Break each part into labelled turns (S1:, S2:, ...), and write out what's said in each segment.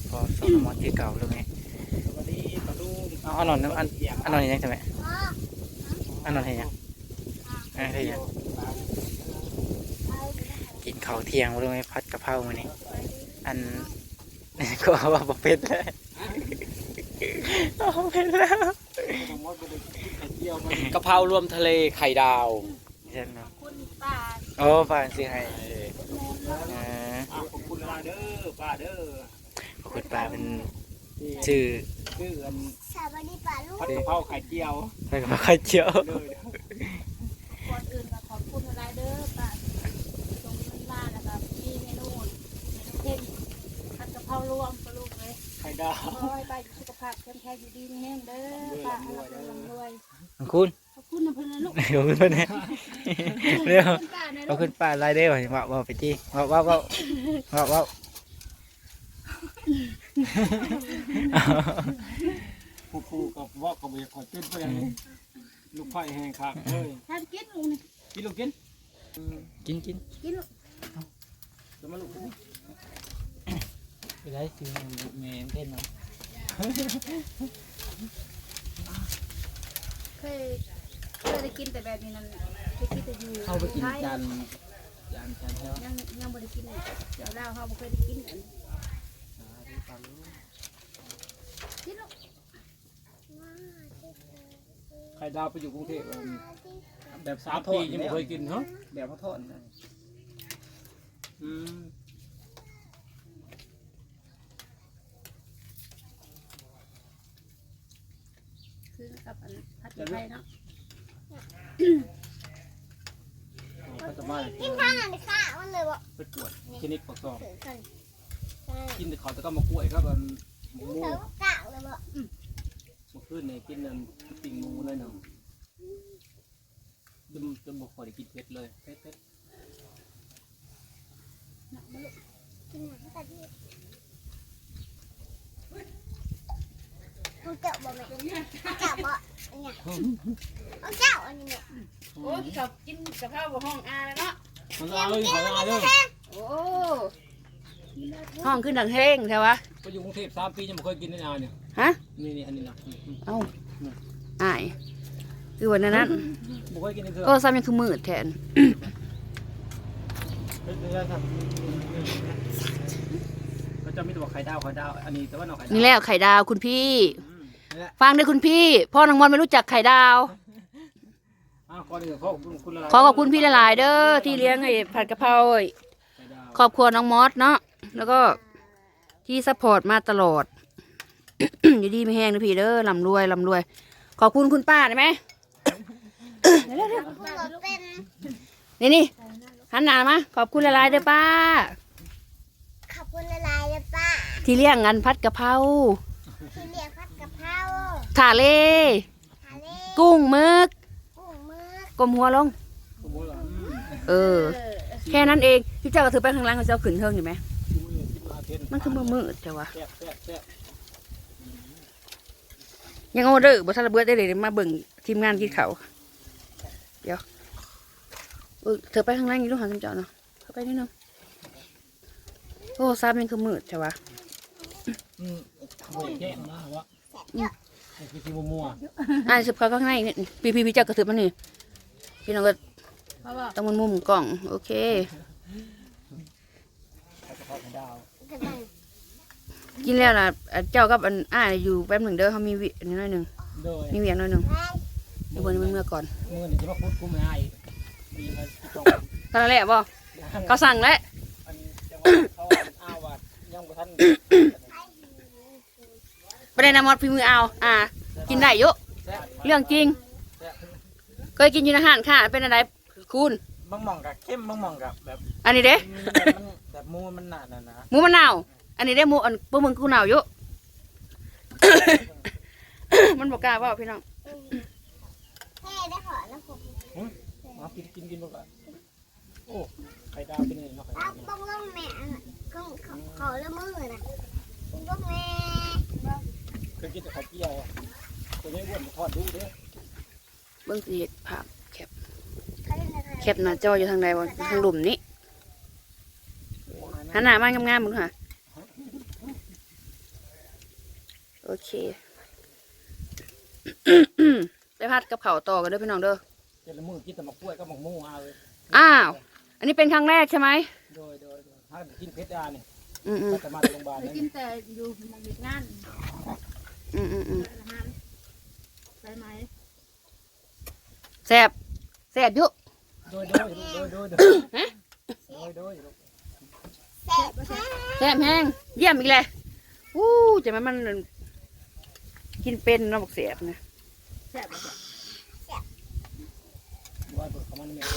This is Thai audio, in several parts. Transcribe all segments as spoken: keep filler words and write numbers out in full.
S1: พอสอนมอที่เก่าเลยไงเอาอันนอนอันอันนอนยังใช่ไหมอันนอนเห็นยังอันนอนเห็นยังกินข้าวเที่ยงเลยไหมพัดกะเพรามานี่อันก็ว่าบ่เป็นเลยบ่เป็นแล้ว
S2: กะเพรารวมทะเลไข่ดาว
S1: ใช่ไหมโอ้ป้าสิให้
S2: ขอบคุณป้าเด้อป้าเด้อ
S1: ขอบคุณป้าเป็นชื่อ
S2: ชื่ออัน
S3: สวัสดีป้าลูก
S2: ผัดกะเพราไข่เจียว
S1: ผัดกะเพราไข่เจียว
S3: ก่อนอื่นก็ขอบคุณอะไรเด้อป้าตรงนั้นมาแล้วก็มีเมนูเช่นผัดกะเพรารวมปลาลูกเลย
S2: ไข่ดาว
S3: ขอให้ป้าสุขภาพแข็งแรงอยู่ดีมีแห้งเด้อป้าให้เราร่ำรวย
S1: ขอบคุณ
S3: ขอบคุณนะเพื่อนลูก
S1: ขอบคุณเพื่อนเร็วขอบคุณป้าไล่ได้ป่ะว่าว่าไปจี้ว่าว่าว่าว่าว่า
S2: ผู้ผู้กับว่ากับอยากขอกินไปอย่างนี้ลูกไผ่แห้งครับเฮ้ย
S3: ทานกินลูกนี่
S2: กินลูกกิน
S1: กินกิน
S3: กินลูก
S2: จะมาลูก
S1: ไปได้คือเมย์เต้นเนาะ
S3: เคยเคยได้กินแต่แบบนี้นั่นเคยกินแต่อยู่
S1: เข้าไปกินจานจานจานเท่า
S3: ยังยังไม่ได้กินเลยเดี๋ยวเราเขาไม่เคยได้กินอันกินลูก
S2: ไข่ดาวไปอยู่กรุงเทพแบบสามปียังไม่เคยกินเหรอ
S1: แบบเขาทอดนะ
S2: อืม
S3: คือกับอันผัดไทยเนาะ
S2: กินข้าวหน่อยค่ะมันเลยบ่ไปตรวจคลินิกปากซองกินแต่เขาแต่ก็มากล้วยครับมันหมูกะเลยบ่เมื่อคืนเนี่ยกินนั่นปิ้งหมูเลยเนาะจนจนบอกขอได้กินเผ็ดเลยเผ็ดเผ็ด
S3: กินหนังตาดีเขาเจาะบ่แม่เจาะบ่เนี่ยเขาเจาะอันนี้เนี่ยโอ้ชอบกินกะเพราบ่ห้องอาแล้วเนาะ
S2: มันอาเลยเขาอาเลย
S3: โอ้ห้องขึ้นดังเฮงใช่ปะ
S2: ไปอยู่กรุงเทพสามปียังไม่เคยกินได้นานเนี่ย
S3: ฮะ
S2: นี่นี่อันนี้นะ
S3: เอ้าอายคือวันนั้น
S2: ไม่เคยกินเลย
S3: โอ้ซ้ำยังคือมืดแทน
S2: เขาจะมีตัวไข่ดาวไข่ดาวอันนี้แต่ว่าหน่อไข่ดาว
S3: นี่แหละไข่ดาวคุณพี่ฟังด้วยคุณพี่พ่อนางมอนไม่รู้จักไข่ดาวขอขอบคุณพี่หลายๆเด้อที่เลี้ยงไอ้ผัดกะเพราขอบคุณน้องมอสเนาะแล้วก็ที่ซัพพอร์ตมาตลอดอยู่ดีไม่แห้งนะพี่เด้อลำรวยลำรวยขอบคุณคุณป้าได้ไหมนี่นี่หันหน้ามาขอบคุณหลายๆเด้อป้าขอบคุณหลายๆเด้อป้าที่เลี้ยงงานผัดกะเพราที่เลี้ยงผัดกะเพราทะเลกุ้งมึกกลมหัวลงเออแค่นั้นเองพี่เจ้าก็ถือไปข้างล่างเขาจะเอาขึ้นเทิงอยู่ไหมมันคือมือมืดแต่ว่ายังโอเดอร์บอสระเบิดได้เลยมาเบิ่งทีมงานกินเขาเดี๋ยวเธอไปข้างล่างนี่ลูกหาคำจอเนาะเข้าไปนิดนึงโอ้ซาบมันคือมืดแต่ว่า
S2: อืมแย่มากวะคือที่มัว
S3: อ่าสืบเขาข้างในพี่พี่พี่เจ้ากระถือมันนี่พี่น้องก็ต้องมันมุมกล่องโอเคกินแล้วล่ะเจ้ากับอันอ้าอยู่แป๊บหนึ่งเด้อเขามีวินิดหน่อยหนึ่งมีเวียงหน่อยหนึ่งเดี๋ยววันนี้มันเมื่อก่อน
S2: เมื่อนี้จะมาพูดกุ้งไม่ให้
S3: ทำอะไรบ่เขาสั่งแล้วประเด็นน้ำมอดฝีมือเอาอ่ากินได้เยอะเรื่องจริงเคยกินอยู่ในอาหารค่ะเป็นอะไรคุณ
S1: บางหม่องกับเข้มบางหม่องกับแบบ
S3: อันนี้เด้
S1: แบบมูมันหนาหนานะ
S3: มูมันหนาวอันนี้ได้มูอันพวกมึงกูหนาวเยอะมันบอกกล้าว่าพี่น้อง
S2: แค่ได้ขอแล้วผมมากินกินกินบ้างก่อนโอ้ไข่ดาวเป็นไงเนาะไข่ดาวต้องเล่าแม่ก็ขอเล่ามือนะต้องแม่เคยกินแต่ไข่เจียวตัวนี้อ้วนทอดดูเด้อ
S3: เบื้องสีภาพแคบแคบหน้าจออยู่ทางใดวะทางหลุมนี้หันหน้ามางามๆมึงค่ะโอเค ได้พัดกับเขาวต่อกันเด้อพี่น้องเด้อ
S2: เจ้าละมือกินแต่หมกกล้วยก็หมกมูเอาเลย
S3: อ้าว อันนี้เป็นครั้งแรกใช่ไหม
S2: โดยโดยโดยถ้ากินเพชรดาเนี่ย
S3: อืมอืม
S2: ก็จะมาโรงพยาบาล
S4: ไป
S2: นั่น
S4: กินแต่อยู่หมองหยุดงาน
S3: อืมอืมอืม
S4: อาหารใช่ไหม
S3: แซ่บแซ่บอยุ
S2: โดยโดยโดยโดยโดยโดยโดย
S4: แซ่บบ่แซ่บ
S3: แซ่บแห้งเยี่ยมอีกเลยอู้จะมันมันกินเป็นเนาะบอกแซ่บนะ
S4: แซ่บบ่แซ่บ
S2: ว่าตัวเขามันเนี่ย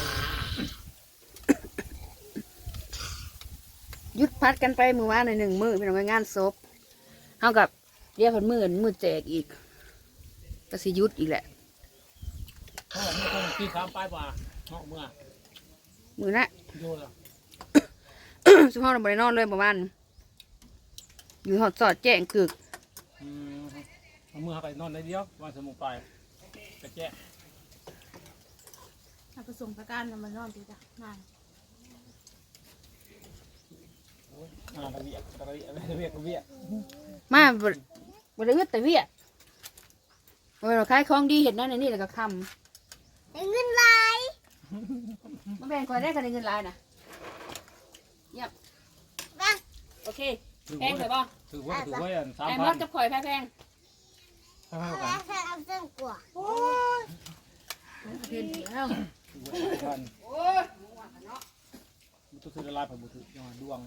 S3: หยุดพัดกันไปมือว่าในหนึ่งมือพี่น้องงานศพเท่ากับเรียกพันมือมือแจกอีกก็สิหยุดอีกแหละ
S2: เขาบอกมีคนกินข้าวปลายป่าเนาะเมื่อ
S3: มือนะ
S2: โยนละ
S3: สุภาพเราบริโนอนเลยประมาณอยู่หอดสอดแจ้งกึก
S2: อืมเอามือเข้าไปนอนได้เดียววันสมุนไปกระแจ
S4: ถ้าไปส่งประกันน่ะมันนอนดีจ้ะนาน
S2: อ่าตะเวียตะเวียตะเวียตะเวีย
S3: มาบริบริเวณแต่เวียบริเวณคล้ายของดีเห็นนั่นในนี่แล้วก็ค
S2: Ừ.
S4: ได้เงินหลาย
S3: ำมาแบ่งคอยได้กันในเงินลายนะเยี่ยม
S4: บ้า
S3: โอเค
S2: ถือ
S3: แพ
S2: ว่าง
S3: เลยบ่
S2: ถือว่าถือว่าสาม
S3: แพง
S2: พั
S3: ร
S2: น
S3: ถกับข่อยแพงแพง
S2: เท่ากัน
S4: แล้วแค่เอาเส้นกว่าโอ้ยเห็นแล้ว
S2: ถือว่าสามพัน
S3: โอ้ย
S2: มันต้องซื้อละลายผ่านบุตรยังไงดวง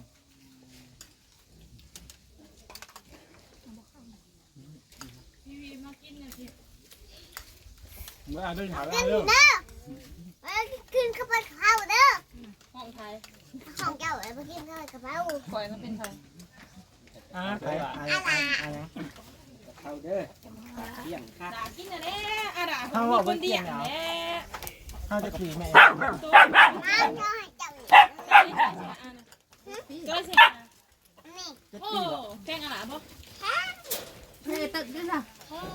S2: เมื่ออ่านด้วยถามแล้วเรื่อง
S4: เด้อไปกินข้าวผัดข้าวเด้อ
S3: ห้องไทย
S4: ของเจ้าไปกินข้าวผัดข้าว
S3: ข่อยมันเป็นไทย
S2: อ่าใครอ่ะ
S4: อะไร
S2: เขาเด้อเลี้ยงค่ะ
S3: ด่ากินอะไรอะด่า
S2: เขาบอกว่าเลี้ยงเหรอเขาจะขี่แม่
S4: มาเจ้าให้เจ้า
S3: ก็สิ
S4: นี่
S2: จะ
S3: โอ้
S2: ตีหรอ
S3: แพงอะไรบ่
S4: เฮ้ยตึกด้วยนะ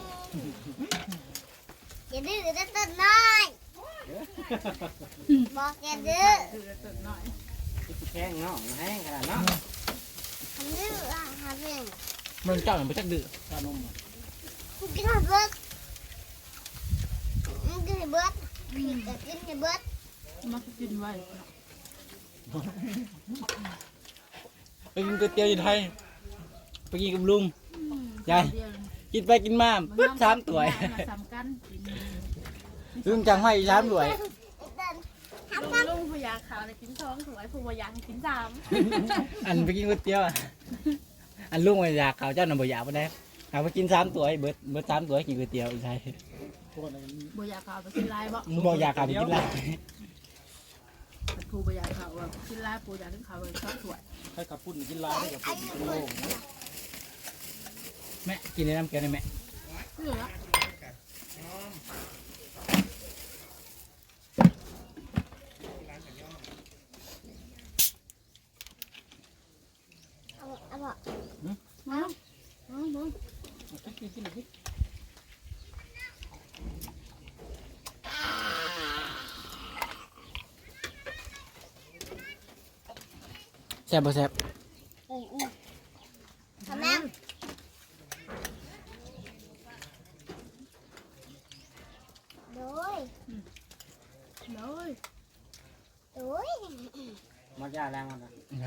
S4: อย่าดื้อจะตึกน้อยบอกอย่าดื้อ
S2: แข้งเนาะแห้งขนาดเนาะ
S4: ทำดื้ออ่ะทำเอง
S2: มันเจ้ามันไปจักดื้อตานม
S4: กูกินให้เบิดมึงกินให้เบิดพี่ก็กินให้เบิด
S5: มักกินไว้
S2: ไปกินก๋วยเตี๋ยวอยู่ไทยไปกินกับลุงยาย
S5: เดียว
S2: กินไปกินมาปึ๊บสามตัว
S5: สามกันกิน
S2: ลุงจังให้สามตัว
S5: ลุงพยาขาวเลยกินท้องถวายผู้พยากินสาม
S2: อันไปกินก๋วยเตี๋ยวอันลุงอยากเขาเจ้าหน่ะบ่อยากบ่ได้เอาไปกินสามตัวเบิดเบิดสามตัวกินก๋วยเตี๋ยวอยู่ไทย
S5: บยาขาวไปกินลายบ่
S2: มึงบอกอยากเขาไปกินไร
S5: ผู้พยาขาวกินลายผู้อยากกินขาวเลยชอบถวาย
S2: ให้ขับปุ่นกินลายให้กับปุ่นกินโล่งแม่กินในน้ำแกงได้แม่
S5: เหลือ
S4: เอาเอาบอก
S5: มามามา
S2: กินกินกิน แซ่บบ่แซ่บ
S4: อืมอืมทำแม่โดย
S5: เลย
S4: โดย
S2: มดยาแรงมันนะ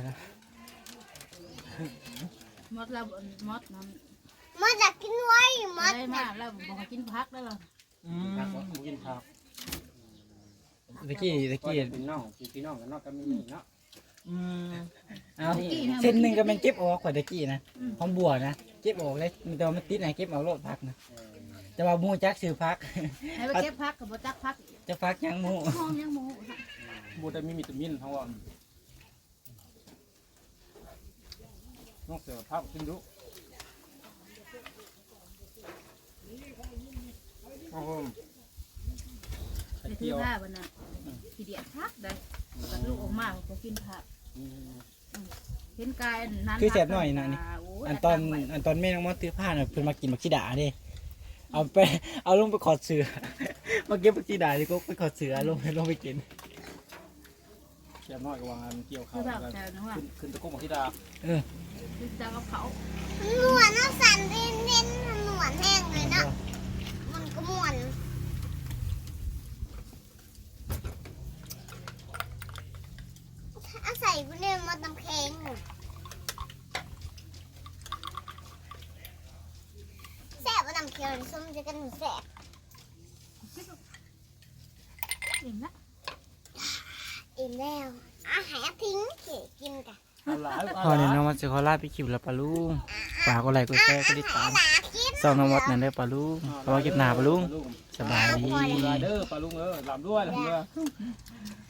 S5: มดแล้วมดน้
S4: มันจะกินไว้หม
S5: ำ
S4: ด
S5: ได้มากแล้วบอกกินพักได้หรอ
S2: อืมกินข้าวตะกี้ตะกี้
S6: พี่น้องพี่น้องกันเนาะก็มีนี่เนาะ
S2: อืมเอาเส้นหนึ่งก็มันเก็บออกกว่าตะกี้นะหอมบัวนะเก็บออกเลยมันแต่ว่ามันติดไหนเก็บเอาโลดพักนะแต่ว่าหมูจักซื้อพัก
S5: ให้ไปเก็บพักกับบจักพัก
S2: จะพักยังหมู
S5: ห้องยังโม
S6: บูได้มีวิตามินทั้งวันน้องเสือภาพขึ้นดูโอ้โห
S5: ไปที่ผ้าวันนั้นขี้เดียดพักได้ลูกออกมาก็กินผักเห็นกายนั้น
S2: คือแซ่บหน่อยนะนี่อันตอนอันตอนแม่น้องมอสซื้อผ้าน่ะเพิ่นมากินบักชีดาเด้เอาไปเอาลงไปขอดเสือมาเก็บบักชีดาดิก็ไปขอดเสือลงลงไปกิน
S6: แซ่บน้อยกว่างานเกี่ยวข้า
S5: คื
S6: ว
S5: อแบบแต่นึกว่า
S6: ขึ้นขึ้นตะกุกของธิดา
S5: คือจะกับเขา
S4: หนวดน้ำสั่นเน้นเน้น
S2: ก็ม่วนอาศัยกูเนี่ยมาตำแข็งแซ่บมาตำแข็งส้มจะกันแซ่บ
S5: เห็นละ
S2: อิ่มแล้วอาหารทิ้งเก๋กินกัน
S6: เอาหลาย
S1: พอเนี่ยน้องวัดจะขอลาไปคลิปแล้วปะลุงฝากกดไลค์กดแชร์กดติดตาม
S2: หากิน
S1: ส่องน้องวัดนั่นได้อปะลุงขอเก็บหน้าปะลุงสบายดี
S6: ปลาเด้อปลาลุงเออลำด้วยลำด้วย